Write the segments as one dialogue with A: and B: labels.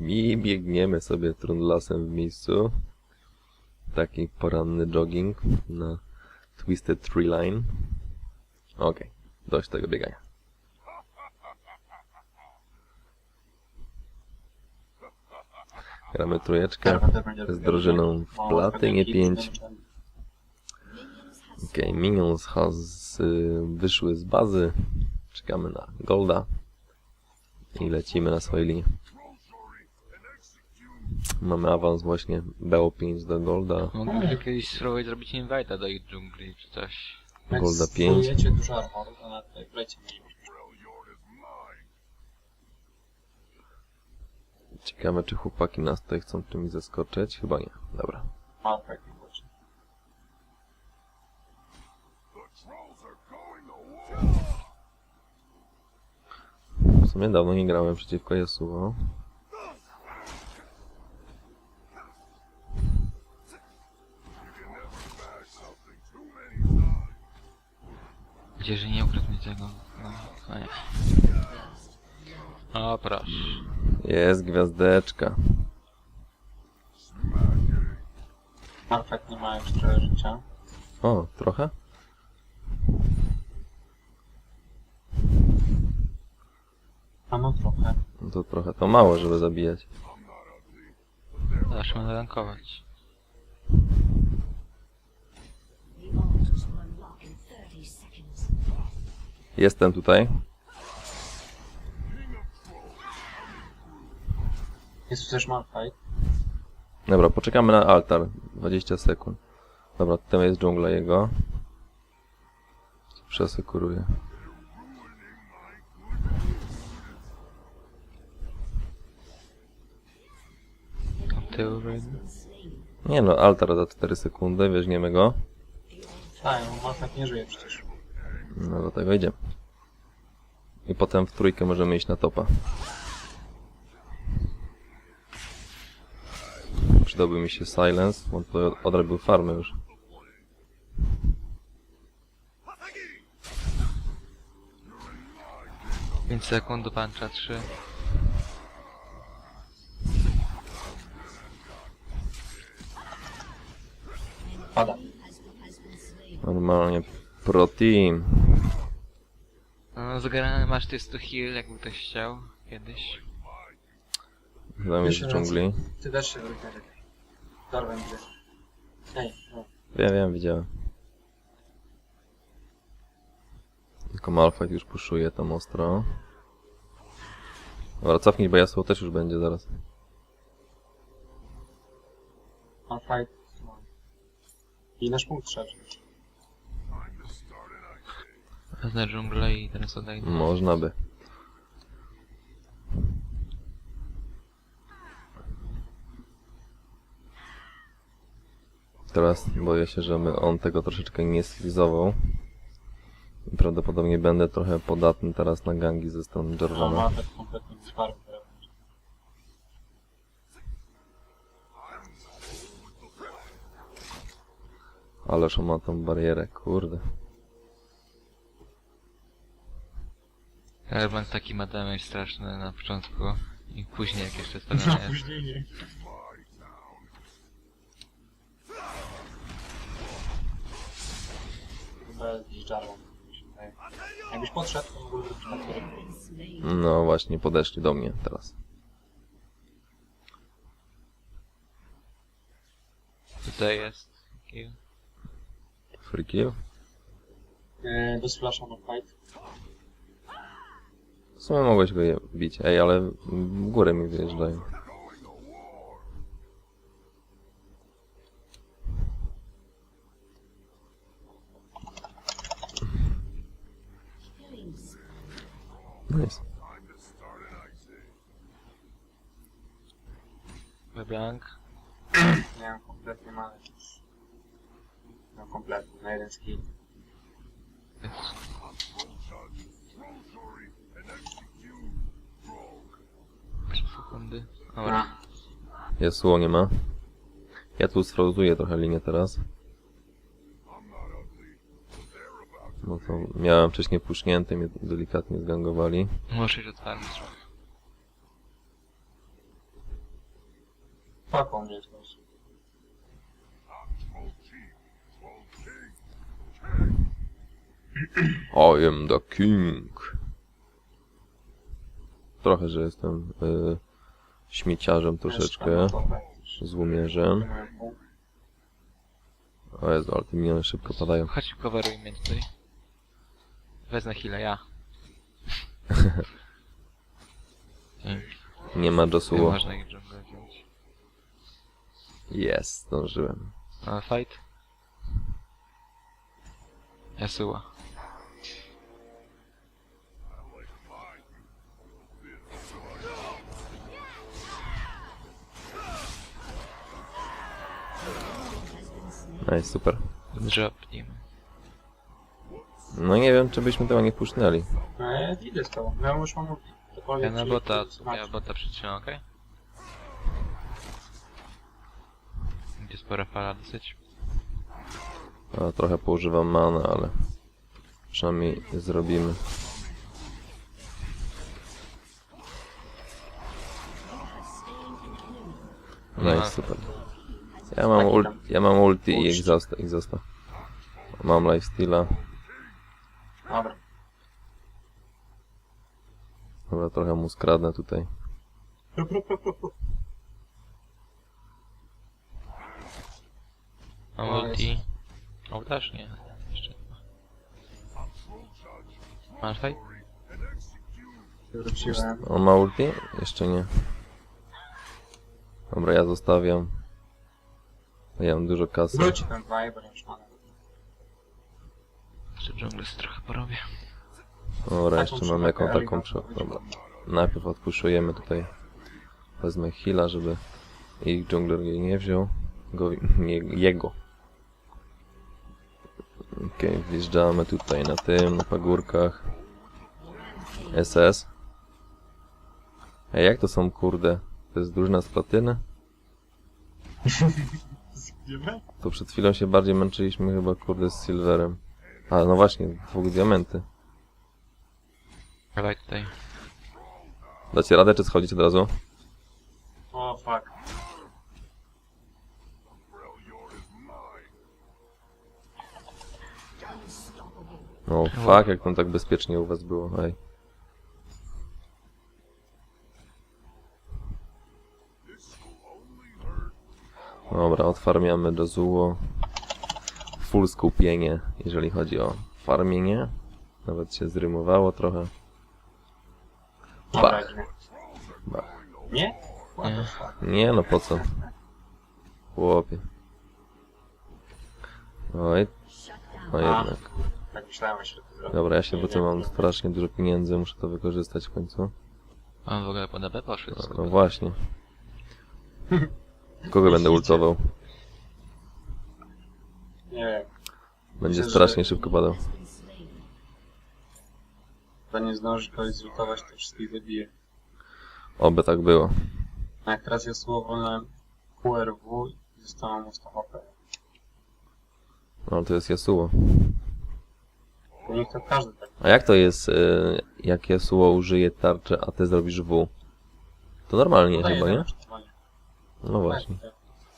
A: I biegniemy sobie trundlasem w miejscu. Taki poranny jogging na Twisted Tree Line. Okej, dość tego biegania. Gramy trójeczkę z drużyną w platynie 5. Okej, Minions wyszły z bazy. Czekamy na Golda. I lecimy na swojej linii. Mamy awans właśnie BO5 do Golda.
B: Moglibyśmy kiedyś spróbować zrobić invite'a do ich dżungli czy coś.
A: Golda 5.
C: Jak dużo armoru, to na tej plecie mielibyśmy.
A: Ciekawe, czy chłopaki nas tutaj chcą czymś zaskoczyć? Chyba nie. Dobra.
C: Malfight nie właśnie.
A: W sumie dawno nie grałem przeciwko Yasuo.
B: Gdzie, że nie ukradł mi tego. No nie. O proszę.
A: Jest gwiazdeczka.
C: Malfight nie ma już trochę życia.
A: O, trochę?
C: A no trochę.
A: No to trochę. To mało, żeby zabijać.
B: Zacznę narankować.
A: Jestem tutaj.
C: Jest tu też Malfight.
A: Dobra, poczekamy na altar. 20 sekund. Dobra, tutaj jest dżungla jego. Przesekuruję.
B: Od tyłu wejdę.
A: Nie no, altar za 4 sekundy, weźmiemy go.
C: Tak, no Malfight nie żyje przecież.
A: No do tego idziemy. I potem w trójkę możemy iść na topa. Przydałby mi się silence, bo to odrobił farmę już.
B: Pięć sekund do puncha, 3.
C: Pada.
A: Normalnie pro team.
B: No, zagrany masz ty 100 heal, jakby ktoś chciał kiedyś.
A: Tam jest w dżungli.
C: Ty też się wygląda lepiej. Darwin gdzie. Ej, no.
A: Wiem, widziałem. Tylko Malfight już puszuje tam ostro. Dobra, cofnij, bo Yasuo też już będzie zaraz.
C: Malfight. No. I nasz punkt trzeba wziąć.
B: Wezmę dżunglę i teraz odejdę.
A: Można by. Teraz boję się, że on tego troszeczkę nie sfrizował. I prawdopodobnie będę trochę podatny teraz na gangi ze strony
C: No,
A: Jarvana.
C: Malfight kompletnie bez farmy teraz.
A: Ależ on ma tą barierę, kurde.
B: Airbank taki ma damage straszny na początku i później jak jeszcze
C: No
B: stawiamy jest.
C: później nie. Chyba jakiś Jarvan. Jakbyś podszedł, to mógłby być na który.
A: No właśnie, podeszli do mnie teraz.
B: Tutaj jest. Kill.
A: Free kill?
C: Bez flasha Malfight.
A: W sumie mogłeś go bić. Ej, ale w górę mi wyjeżdżają. Nice.
B: Airbank.
C: Nie mam kompletnie mamy już. No kompletnie, na jeden skill.
B: Sekundy. Dobra.
A: Yasuo nie ma. Ja tu sfrozuję trochę linię teraz. No to miałem wcześniej pusznięte, mnie delikatnie zgangowali.
B: Muszę się otwarć.
C: Złapał mnie ktoś.
A: I am the king. Trochę, że jestem śmieciarzem troszeczkę. Złomierzem. O Jezu, ale te miniony szybko padają.
B: Chodź, coveruj mnie tutaj. Wezmę chwilę, ja.
A: Nie ma
B: Nie
A: Josuo.
B: można ich dżunglę wziąć.
A: Jest, zdążyłem.
B: A fight? Yasuo.
A: Nice, super.
B: Drop nim.
A: No nie wiem, czy byśmy tego nie puszczali.
C: No ja idę z tobą. Ja już mam...
B: Ja na bota, ja bota przytrzymam, okej? Gdzie spora fala dosyć.
A: A, trochę poużywam mana, ale przynajmniej zrobimy. Nice, super. Ja mam ulti i exhausta. Mam lifesteala.
C: Dobra.
A: Dobra, trochę mu skradnę tutaj.
B: Mam ulti. O, też nie. Jeszcze. Masz fight?
C: Wróciłem.
A: On ma ulti? Jeszcze nie. Dobra, ja zostawiam. Ja mam dużo kasy.
C: Wróci ten vibe, bo już mam.
B: Jeszcze dżunglę sobie trochę porobię.
A: Dobra, jeszcze mam taką Dobra. Najpierw odpuszczujemy tutaj. Wezmę heala, żeby ich jungler jej nie wziął. Jego. Okej, wjeżdżamy tutaj na tym, na pagórkach. SS. Ej, jak to są, kurde? To jest drużyna z platyny? To przed chwilą się bardziej męczyliśmy chyba, kurde, z silverem. A, no właśnie, 2 diamenty.
B: Dawaj tutaj.
A: Dacie radę, czy schodzić od razu?
C: O, fuck.
A: No fuck, jak tam tak bezpiecznie u was było, ej. Dobra, odfarmiamy do Zuo. Full skupienie, jeżeli chodzi o farmienie. Nawet się zrymowało trochę.
C: Dobra,
A: Bach.
C: idziemy.
A: Bach.
C: Nie? What the fuck?
A: Nie, no po co? Chłopie. Oj. No jednak.
C: Tak myślałem, że to zrobię.
A: Dobra, ja się wrócę, mam strasznie dużo pieniędzy, muszę to wykorzystać w końcu.
B: On w ogóle po DB poszedł.
A: No właśnie. Kogo będę ultował?
C: Nie wiem.
A: Będzie
C: Myślę,
A: strasznie
C: że-
A: szybko padał.
C: To nie zdąży kogoś zlutować, to wszystkich zabije.
A: Oby tak było.
C: A jak teraz jest słowo na QRW i zostało mu 100 HP.
A: No to jest Yasuo.
C: To niech to każdy tak.
A: A jak to jest, jak Yasuo użyje tarczy, a ty zrobisz W? To normalnie
C: Podaję
A: chyba, nie?
C: zaangażowanie.
A: No właśnie.
C: Tak, tak.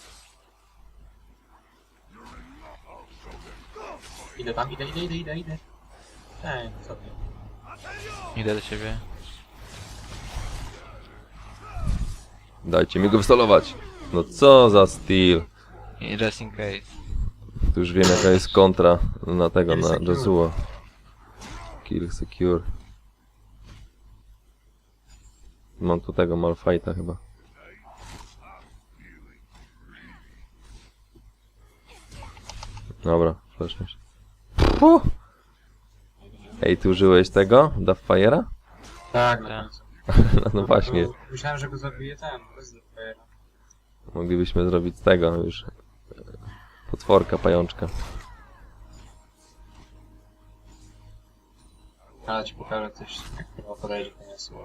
C: Idę tam, idę. Ej, co ty?
B: Idę do ciebie.
A: Dajcie mi go wstalować. No co za styl.
B: I just in case.
A: Tu już wiem jaka jest kontra na tego,
C: Kill
A: na
C: secure.
A: Yasuo. Kill secure. Mam tu tego Malphite'a chyba. Dobra, flashmy się. Ej, ty użyłeś tego? Dufffire'a?
C: Tak, na
B: Tak.
C: końcu.
A: No właśnie.
C: Myślałem, że go zabije ten, bez Zephyra.
A: Moglibyśmy zrobić z tego już. Potworka, pajączka.
C: Ale ci pokażę coś, jak chyba podejdzie to nie słowo.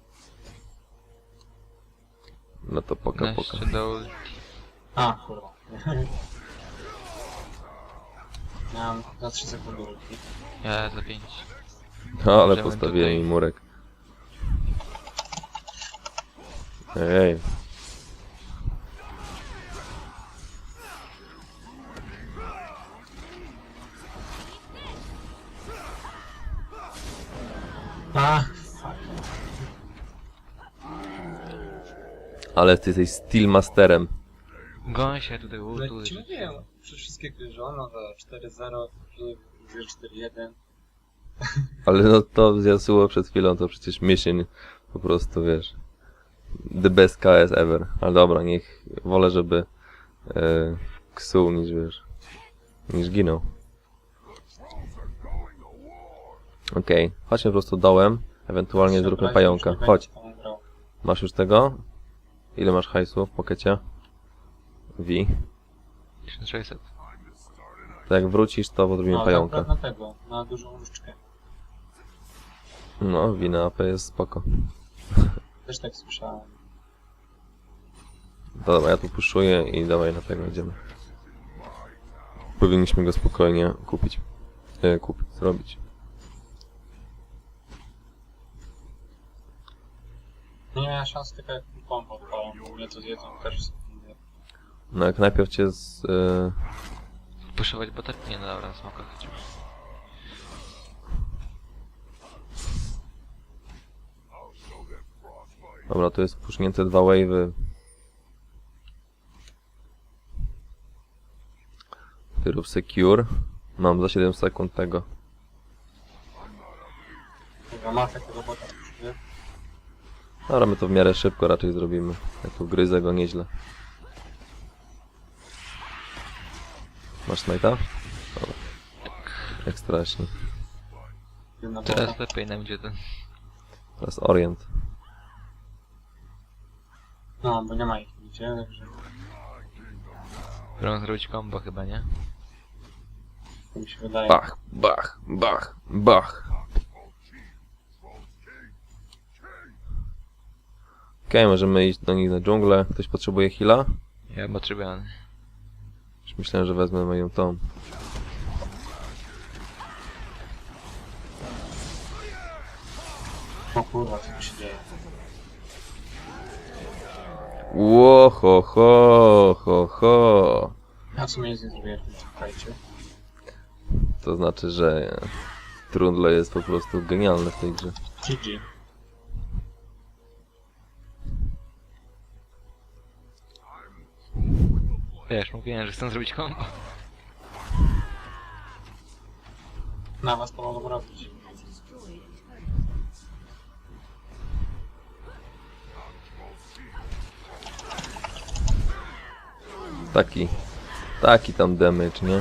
A: No to poka.
B: Jeszcze do ulti.
C: A, kurwa. Miałem za 3 sekundy ulti.
B: Ja za 5.
A: No ale
B: Możemy
A: postawiłem
B: tutaj-
A: mi murek. Ej. Ale ty jesteś Steel Masterem.
B: Goń się tutaj
C: No
B: ultu.
C: ci mówiłem, przez wszystkie gry, że ono za 4-0, 4-1.
A: Ale no to z Yasuo przed chwilą to przecież mission po prostu, wiesz. The best KS ever. Ale dobra, niech wolę, żeby ksuł niż wiesz. Niż ginął. Okej, chodźmy po prostu dołem. Ewentualnie zróbmy pająka. Chodź. Masz już tego? Ile masz hajsu w pokecie? V.
B: 1600.
A: To jak wrócisz, to zrobimy pająka.
C: Na tego, na dużą różdżkę.
A: No, V na AP jest spoko.
C: Też tak słyszałem.
A: Dobra, ja tu puszuję i dawaj na tego idziemy. Powinniśmy go spokojnie kupić. Zrobić.
C: Nie miałem szans tylko jak pompa odpalam, w ogóle to zjedzą też.
A: No jak najpierw cię
B: Puszować bota? Nie, no dobra, smoka chodzi.
A: Dobra, tu jest pusznięte 2 wave'y. Ty rób secure. Mam za 7 sekund tego.
C: Dobra, ma takiego bota nie?
A: Dobra, my to w miarę szybko raczej zrobimy. Ja tu gryzę go nieźle. Masz smite'a? Dobra. Jak strasznie.
C: Jedna
B: Teraz
C: bota.
B: lepiej nam idzie ten.
A: Teraz orient.
C: No, bo nie ma ich nigdzie, także
B: Chcą zrobić combo chyba, nie?
C: to mi się wydaje.
A: Bach, bach, bach, bach. Okej, możemy iść do nich na dżunglę. Ktoś potrzebuje heala?
B: Ja potrzebuję.
A: Już myślałem, że wezmę moją tą.
C: O kurwa, co tu się dzieje?
A: Ło, ho, ho, ho, ho.
C: Ja w sumie nic nie zrobię w tym czekajcie.
A: To znaczy, że Trundle jest po prostu genialny w tej grze.
C: GG.
B: Wiesz, mówiłem, że chcę zrobić combo.
C: Na was to mogą robić.
A: Taki tam damage, nie?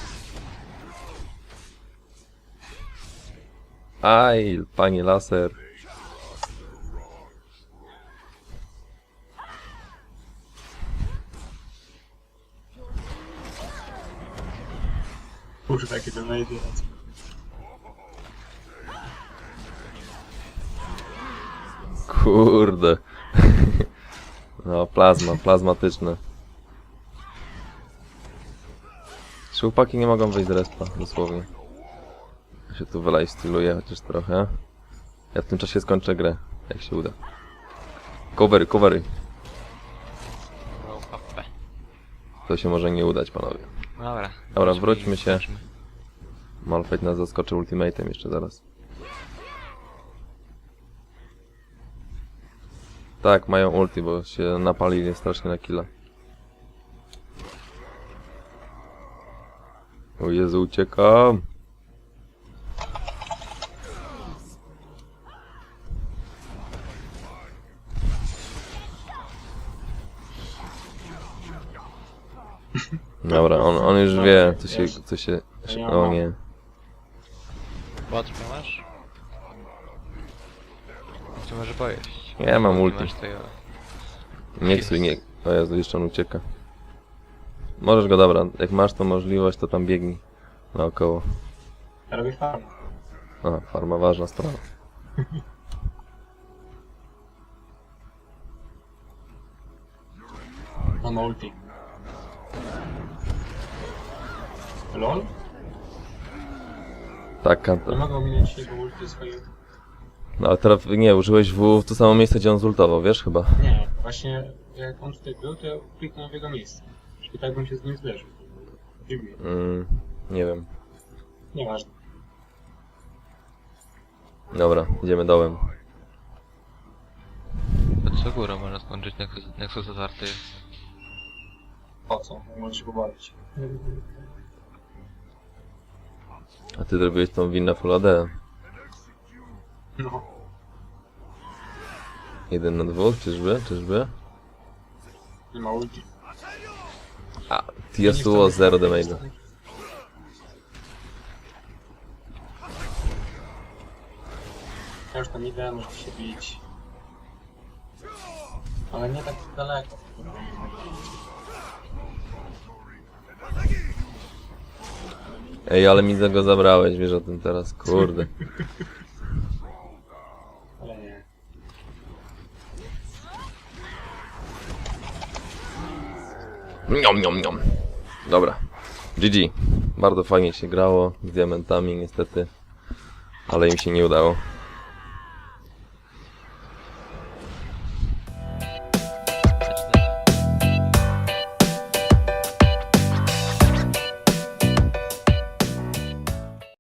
A: Aj, panie laser.
C: Kurwa, jakie to najdzie.
A: Kurde. No, plazmatyczne. Chłopaki nie mogą wyjść z respa, dosłownie. Ja się tu wylifestyluję chociaż trochę. Ja w tym czasie skończę grę, jak się uda. Covery. To się może nie udać, panowie.
B: Dobra.
A: Dobra, wróćmy się.
B: Zobaczmy.
A: Malphite nas zaskoczy ultimatem jeszcze zaraz. Tak, mają ulti, bo się napalili strasznie na killa. O Jezu, uciekam! Dobra, on już wie, co się... O nie.
B: Bot masz? Co może pojeść?
A: Ja mam ulti.
B: Masz tego...
A: Nie ksuj, nie... O Jezu, jeszcze on ucieka. Możesz go, dobra, jak masz tą możliwość, to tam biegnij naokoło.
C: Ja robię farmę.
A: Aha, farma ważna sprawa.
C: Mam ulti. LOL?
A: Tak,
C: Nie
A: Kanta.
C: mogę ominąć jego ulti swojej...
A: No ale teraz nie, użyłeś w to samo miejsce, gdzie on zultował, wiesz chyba?
C: Nie, właśnie jak on tutaj był, to ja kliknąłem w jego miejsce. I tak bym się z nim zderzył. Dziwnie.
A: Nie wiem.
C: Nieważne.
A: Dobra, idziemy dołem.
B: Co górą można skończyć, Nexus otwarty jest.
C: Po co? Możesz się pobawić.
A: A ty zrobiłeś tą winę Full AD.
C: No.
A: 1 na 2, czyżby?
C: Nie ma ulti.
A: A, Yasuo 0 damage'a.
C: Ja już tam idę, muszę się bić. Ale nie tak daleko.
A: Ej, ale mi go zabrałeś, wiesz o tym teraz, kurde.
C: Ale nie.
A: Niom. Dobra. GG. Bardzo fajnie się grało z diamentami niestety. Ale im się nie udało.